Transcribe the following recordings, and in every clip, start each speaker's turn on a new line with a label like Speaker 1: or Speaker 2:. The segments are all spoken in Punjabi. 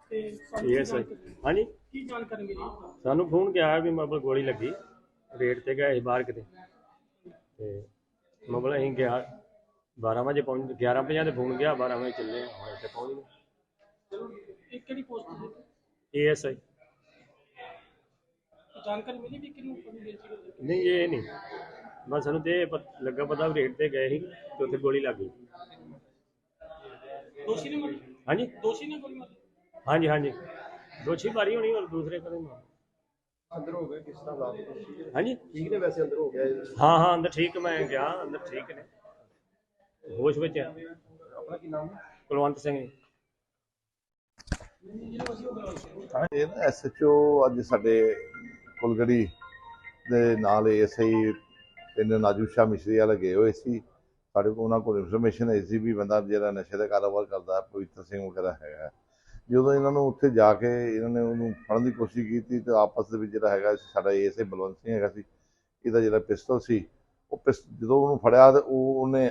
Speaker 1: ਇਹ ਸਰ ਹਾਂਜੀ
Speaker 2: ਕੀ ਜਾਣਕਾਰੀ ਮਿਲੀ?
Speaker 1: ਸਾਨੂੰ ਫੋਨ ਗਿਆ ਵੀ ਮਤਲਬ ਗੋਲੀ ਲੱਗੀ ਰੇਡ ਤੇ ਗਏ ਸੀ ਬਾਹਰ ਕਿਤੇ ਤੇ ਮਤਲਬ ਅਸੀਂ ਗਿਆ 12 ਵਜੇ ਪਹੁੰਚ 11:50 ਤੇ ਫੋਨ ਗਿਆ 12 ਵਜੇ ਚੱਲੇ ਹੁਣ ਇੱਥੇ ਪਹੁੰਚ ਗਏ।
Speaker 2: ਇਹ ਕਿਹੜੀ ਪੋਸਟ ਤੇ?
Speaker 1: ASI
Speaker 2: ਜਾਣਕਾਰੀ ਮਿਲੀ ਵੀ ਕਿਹਨੂੰ ਕਦੋਂ ਦੇ ਸੀ?
Speaker 1: ਨਹੀਂ ਇਹ ਨਹੀਂ ਬਸ ਸਾਨੂੰ ਤੇ ਲੱਗਾ ਪਤਾ ਵੀ ਰੇਡ ਤੇ ਗਏ ਸੀ ਤੇ ਉੱਥੇ ਗੋਲੀ ਲੱਗ ਗਈ।
Speaker 2: ਦੋਸ਼ੀ ਨੇ ਮਾਰੀ?
Speaker 1: ਹਾਂਜੀ
Speaker 2: ਦੋਸ਼ੀ ਨੇ ਗੋਲੀ ਮਾਰੀ?
Speaker 1: ਹਾਂਜੀ ਹਾਂਜੀ ਦੋਸ਼ੀ ਮਾਰੀ ਹੋਣੀ ਔਰ ਦੂਸਰੇ ਕਦੇ ਮਾਰ
Speaker 3: ਅੰਦਰ ਹੋ ਗਏ ਕਿਸ ਤਰ੍ਹਾਂ ਹਾਲਾਤ
Speaker 1: ਹਾਂਜੀ
Speaker 3: ਠੀਕ ਨੇ ਵੈਸੇ ਅੰਦਰ ਹੋ ਗਿਆ
Speaker 1: ਹਾਂ ਹਾਂ ਅੰਦਰ ਠੀਕ ਮੈਂ ਗਿਆ ਅੰਦਰ ਠੀਕ ਨੇ ਹੋਸ਼ ਵਿੱਚ ਆ।
Speaker 3: ਆਪਣਾ ਕੀ ਨਾਮ ਹੈ
Speaker 1: ਕੁਲਵੰਤ ਸਿੰਘ ਜੀ।
Speaker 4: ਇਹ ਨਾ SHO ਅੱਜ ਸਾਡੇ ਕੁਲਗੜੀ ਦੇ ਨਾਲ ASI ਪਿੰਡ ਨਾਜੂ ਸ਼ਾਹ ਮਿਸ਼ਰੀ ਵਾਲੇ ਗਏ ਹੋਏ ਸੀ। ਸਾਡੇ ਕੋਲ ਉਹਨਾਂ ਕੋਲ ਇਨਫੋਰਮੇਸ਼ਨ ਹੈ ਸੀ ਵੀ ਬੰਦਾ ਜਿਹੜਾ ਨਸ਼ੇ ਦਾ ਕਾਰੋਬਾਰ ਕਰਦਾ ਪਵਿੱਤਰ ਸਿੰਘ ਵਗੈਰਾ ਹੈਗਾ। ਜਦੋਂ ਇਹਨਾਂ ਨੂੰ ਉੱਥੇ ਜਾ ਕੇ ਇਹਨਾਂ ਨੇ ਉਹਨੂੰ ਫੜਨ ਦੀ ਕੋਸ਼ਿਸ਼ ਕੀਤੀ ਤੇ ਆਪਸ ਦੇ ਵਿੱਚ ਜਿਹੜਾ ਹੈਗਾ ਸਾਡਾ ASI ਬਲਵੰਤ ਸਿੰਘ ਹੈਗਾ ਸੀ, ਇਹਦਾ ਜਿਹੜਾ ਪਿਸਤਲ ਸੀ ਉਹ ਜਦੋਂ ਉਹਨੂੰ ਫੜਿਆ ਤੇ ਉਹਨੇ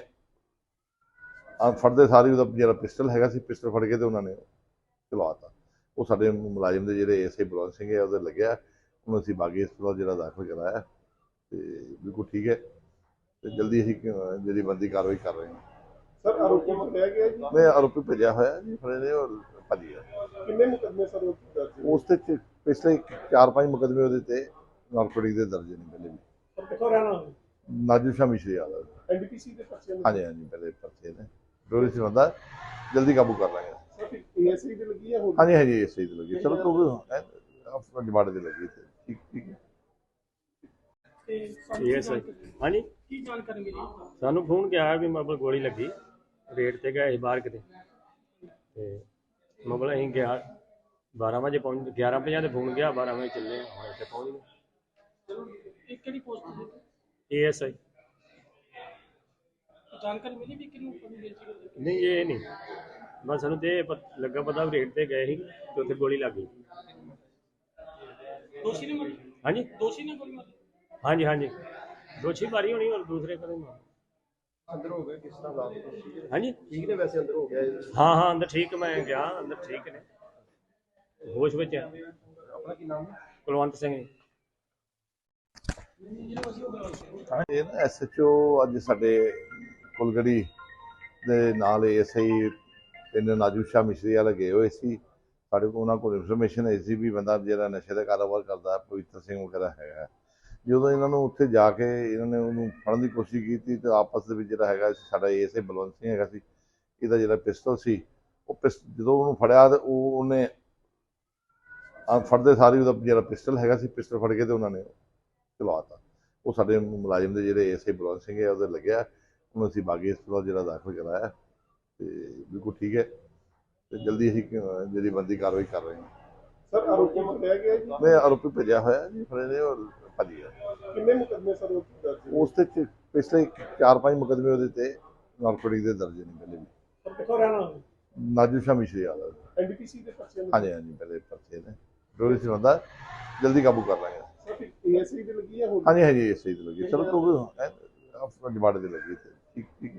Speaker 4: ਫੜਦੇ ਸਾਰੀ ਉਹਦਾ ਜਿਹੜਾ ਪਿਸਟਲ ਹੈਗਾ ਸੀ ਪਿਸਟਲ ਫੜ ਕੇ ਤੇ ਉਹਨਾਂ ਨੇ ਚਲਾਤਾ। ਉਹ ਸਾਡੇ ਮੁਲਾਜ਼ਮ ਦੇ ਜਿਹੜੇ ASI ਬਲਵੰਤ ਸਿੰਘ ਹੈ ਉਹਦੇ ਲੱਗਿਆ, ਉਹਨੂੰ ਅਸੀਂ ਬਾਗੀ ਹਸਪਤਾਲ ਜਿਹੜਾ ਦਾਖਲ ਕਰਾਇਆ ਤੇ ਬਿਲਕੁਲ ਠੀਕ ਹੈ ਤੇ ਜਲਦੀ ਅਸੀਂ ਜਿਹੜੀ ਬੰਦੀ ਕਾਰਵਾਈ ਕਰ ਰਹੇ ਹਾਂ।
Speaker 3: ਸਰ ਆਰੋਪੀ ਨੂੰ ਲਿਆ ਗਿਆ ਜੀ?
Speaker 4: ਮੈਂ ਆਰੋਪੀ ਭੇਜਿਆ ਹੋਇਆ ਜੀ, ਫੜੇ ਨੇ ਔਰ ਭੱਜ ਗਿਆ।
Speaker 3: ਕਿੰਨੇ ਮੁਕੱਦਮੇ ਸਰ
Speaker 4: ਉਸ ਤੇ ਪਿਛਲੇ 4-5 ਮੁਕੱਦਮੇ ਉਹਦੇ ਤੇ ਨਾਰਕੋਟਿਕ ਦੇ ਦਰਜ ਨੇ ਪਹਿਲੇ ਵੀ।
Speaker 3: ਸਰ ਕਿੱਥੋਂ ਰਹਿਣਾ?
Speaker 4: ਨਾਜੂ ਸ਼ਾਹ ਮਿਸ਼ਰੀ ਵਾਲਾ
Speaker 3: NDPC ਦੇ ਪਰਚੇ ਨੇ?
Speaker 4: ਹਾਂਜੀ ਹਾਂਜੀ ਪਹਿਲੇ ਪਰਚੇ ਨੇ ਡੋਰੀ ਸੀ ਬੰਦਾ, ਜਲਦੀ ਕਾਬੂ ਕਰ ਲਾਂਗੇ।
Speaker 3: ਸਰ ਫਿਰ ASI ਦੇ ਲੱਗੀ ਹੈ ਹੋਰ?
Speaker 4: ਹਾਂਜੀ ਹਾਂਜੀ ਇਸੇ ਦੀ ਲੱਗੀ ਚਲੋ ਤੂੰ ਆਪਣਾ ਜਮਾੜੇ ਦੇ ਲੱਗੀ ਤੇ ਠੀਕ ਠੀਕ ਹੈ।
Speaker 1: ਇਹ ਸਰ ਹਾਂਜੀ
Speaker 2: ਕੀ ਜਾਣਕਾਰੀ ਮਿਲੀ?
Speaker 1: ਸਾਨੂੰ ਫੋਨ ਗਿਆ ਵੀ ਮਤਲਬ ਗੋਲੀ ਲੱਗੀ ਰੇਡ ਤੇ ਗਏ ਸੀ ਬਾਹਰ ਕਿਤੇ ਤੇ ਮਤਲਬ ਅਸੀਂ ਗਿਆ 12 ਵਜੇ ਪਹੁੰਚ 11:50 ਤੇ ਫੋਨ ਗਿਆ 12 ਵਜੇ ਚੱਲੇ ਹੁਣ ਇੱਥੇ ਪਹੁੰਚ ਗਏ।
Speaker 2: ਇਹ ਕਿਹੜੀ ਪੋਸਟ ਤੇ?
Speaker 1: ASI
Speaker 2: ਜਾਣਕਾਰੀ ਮਿਲੀ ਵੀ ਕਿਹਨੂੰ ਕਦੋਂ ਦੇ ਸੀ?
Speaker 1: ਨਹੀਂ ਇਹ ਨਹੀਂ ਬਸ ਸਾਨੂੰ ਤੇ ਲੱਗਾ ਪਤਾ ਵੀ ਰੇਡ ਤੇ ਗਏ ਸੀ ਤੇ ਉੱਥੇ ਗੋਲੀ ਲੱਗ ਗਈ।
Speaker 2: ਦੋਸ਼ੀ ਨੇ ਮਾਰੀ?
Speaker 1: ਹਾਂਜੀ
Speaker 2: ਦੋਸ਼ੀ ਨੇ ਗੋਲੀ ਮਾਰੀ?
Speaker 1: ਹਾਂਜੀ ਹਾਂਜੀ ਦੋਸ਼ੀ ਮਾਰੀ ਹੋਣੀ ਔਰ ਦੂਸਰੇ ਕਦੇ ਮਾਰ
Speaker 3: ਅੰਦਰ ਹੋ ਗਏ ਕਿਸ ਤਰ੍ਹਾਂ ਹਾਲਾਤ
Speaker 1: ਹਾਂਜੀ
Speaker 3: ਠੀਕ ਨੇ ਵੈਸੇ ਅੰਦਰ ਹੋ ਗਿਆ
Speaker 1: ਹਾਂ ਹਾਂ ਅੰਦਰ ਠੀਕ ਮੈਂ ਗਿਆ ਅੰਦਰ ਠੀਕ ਨੇ ਹੋਸ਼ ਵਿੱਚ ਆ।
Speaker 3: ਆਪਣਾ ਕੀ ਨਾਮ ਹੈ
Speaker 1: ਕੁਲਵੰਤ ਸਿੰਘ ਜੀ।
Speaker 4: ਇਹ ਨਾ SHO ਅੱਜ ਸਾਡੇ ਕੁਲਗੜੀ ਦੇ ਨਾਲ ASI ਪਿੰਡ ਨਾਜੂ ਸ਼ਾਹ ਮਿਸ਼ਰੀ ਵਾਲੇ ਗਏ ਹੋਏ ਸੀ। ਸਾਡੇ ਕੋਲ ਉਹਨਾਂ ਕੋਲ ਇਨਫੋਰਮੇਸ਼ਨ ਹੈ ਸੀ ਵੀ ਬੰਦਾ ਜਿਹੜਾ ਨਸ਼ੇ ਦਾ ਕਾਰੋਬਾਰ ਕਰਦਾ ਪਵਿੱਤਰ ਸਿੰਘ ਵਗੈਰਾ ਹੈਗਾ। ਜਦੋਂ ਇਹਨਾਂ ਨੂੰ ਉੱਥੇ ਜਾ ਕੇ ਇਹਨਾਂ ਨੇ ਉਹਨੂੰ ਫੜਨ ਦੀ ਕੋਸ਼ਿਸ਼ ਕੀਤੀ ਤੇ ਆਪਸ ਦੇ ਵਿੱਚ ਜਿਹੜਾ ਹੈਗਾ ਸਾਡਾ ASI ਬਲਵੰਤ ਸਿੰਘ ਹੈਗਾ ਸੀ, ਇਹਦਾ ਜਿਹੜਾ ਪਿਸਤਲ ਸੀ ਉਹ ਜਦੋਂ ਉਹਨੂੰ ਫੜਿਆ ਤੇ ਉਹਨੇ ਫੜਦੇ ਸਾਰੀ ਉਹਦਾ ਜਿਹੜਾ ਪਿਸਟਲ ਹੈਗਾ ਸੀ ਪਿਸਟਲ ਫੜ ਕੇ ਤੇ ਉਹਨਾਂ ਨੇ ਚਲਾਤਾ। ਉਹ ਸਾਡੇ ਮੁਲਾਜ਼ਮ ਦੇ ਜਿਹੜੇ ASI ਬਲਵੰਤ ਸਿੰਘ ਹੈ ਉਹਦੇ ਲੱਗਿਆ, ਉਹਨੂੰ ਅਸੀਂ ਬਾਗੀ ਹਸਪਤਾਲ ਜਿਹੜਾ ਦਾਖਲ ਕਰਾਇਆ ਤੇ ਬਿਲਕੁਲ ਠੀਕ ਹੈ ਤੇ ਜਲਦੀ ਅਸੀਂ ਜਿਹੜੀ ਬੰਦੀ ਕਾਰਵਾਈ ਕਰ ਰਹੇ ਹਾਂ।
Speaker 3: ਸਰ ਆਰੋਪੀ ਨੂੰ ਲਿਆ ਗਿਆ ਜੀ?
Speaker 4: ਮੈਂ ਆਰੋਪੀ ਭੇਜਿਆ ਹੋਇਆ ਜੀ, ਫੜੇ ਨੇ ਔਰ ਭੱਜ ਗਿਆ।
Speaker 3: ਕਿੰਨੇ ਮੁਕੱਦਮੇ ਸਰ
Speaker 4: ਉਸ ਤੇ ਪਿਛਲੇ 4-5 ਮੁਕੱਦਮੇ ਉਹਦੇ ਤੇ ਨਾਰਕੋਟਿਕ ਦੇ ਦਰਜ ਨੇ ਪਹਿਲੇ ਵੀ।
Speaker 3: ਸਰ ਕਿੱਥੋਂ ਰਹਿਣਾ?
Speaker 4: ਨਾਜੂ ਸ਼ਾਹ ਮਿਸ਼ਰੀ ਵਾਲਾ
Speaker 3: NDPC ਦੇ ਪਰਚੇ ਨੇ?
Speaker 4: ਹਾਂਜੀ ਹਾਂਜੀ ਪਹਿਲੇ ਪਰਚੇ ਨੇ ਡੋਰੀ ਸੀ ਬੰਦਾ, ਜਲਦੀ ਕਾਬੂ ਕਰ ਲਾਂਗੇ।
Speaker 3: ਸਰ ਫਿਰ ASI ਦੇ ਲੱਗੀ ਹੈ ਹੋਰ?
Speaker 4: ਹਾਂਜੀ ਹਾਂਜੀ ਇਸੇ ਦੀ ਲੱਗੀ ਚਲੋ ਤੂੰ ਆਪਣਾ ਜਮਾੜੇ ਦੇ ਲੱਗੀ ਤੇ ਠੀਕ ਠੀਕ ਹੈ।